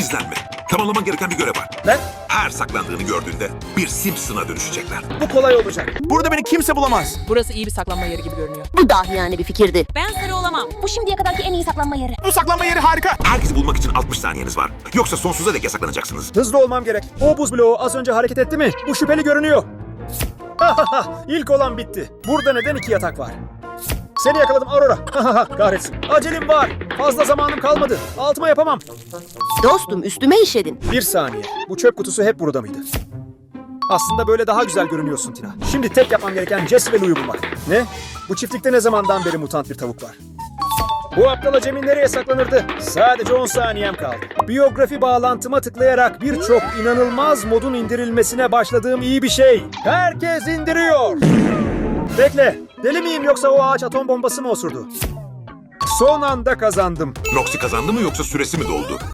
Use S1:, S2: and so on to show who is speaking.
S1: Gizlenme. Tamamlaman gereken bir görev var.
S2: Ne?
S1: Her saklandığını gördüğünde bir Simpson'a dönüşecekler.
S2: Bu kolay olacak.
S3: Burada beni kimse bulamaz.
S4: Burası iyi bir saklanma yeri gibi görünüyor.
S5: Bu dahiyane bir fikirdi.
S6: Ben sarı olamam. Bu şimdiye kadarki en iyi saklanma yeri.
S3: Bu saklanma yeri harika.
S1: Herkesi bulmak için 60 saniyeniz var. Yoksa sonsuza dek yasaklanacaksınız.
S2: Hızlı olmam gerek. O buz bloğu az önce hareket etti mi? Bu şüpheli görünüyor. İlk olan bitti. Burada neden 2 yatak var? Seni yakaladım Aurora. Kahretsin. Acelem var. Fazla zamanım kalmadı. Altıma yapamam.
S5: Dostum üstüme işedin.
S2: 1 saniye. Bu çöp kutusu hep burada mıydı? Aslında böyle daha güzel görünüyorsun Tina. Şimdi tek yapmam gereken Jesse ve Lou'yu bulmak. Ne? Bu çiftlikte ne zamandan beri mutant bir tavuk var? Bu aptal acemi nereye saklanırdı? Sadece 10 saniyem kaldı. Biyografi bağlantıma tıklayarak birçok inanılmaz modun indirilmesine başladığım iyi bir şey. Herkes indiriyor. Bekle. Deli miyim yoksa o ağaç atom bombası mı osurdu? Son anda kazandım.
S1: Noxy kazandı mı yoksa süresi mi doldu?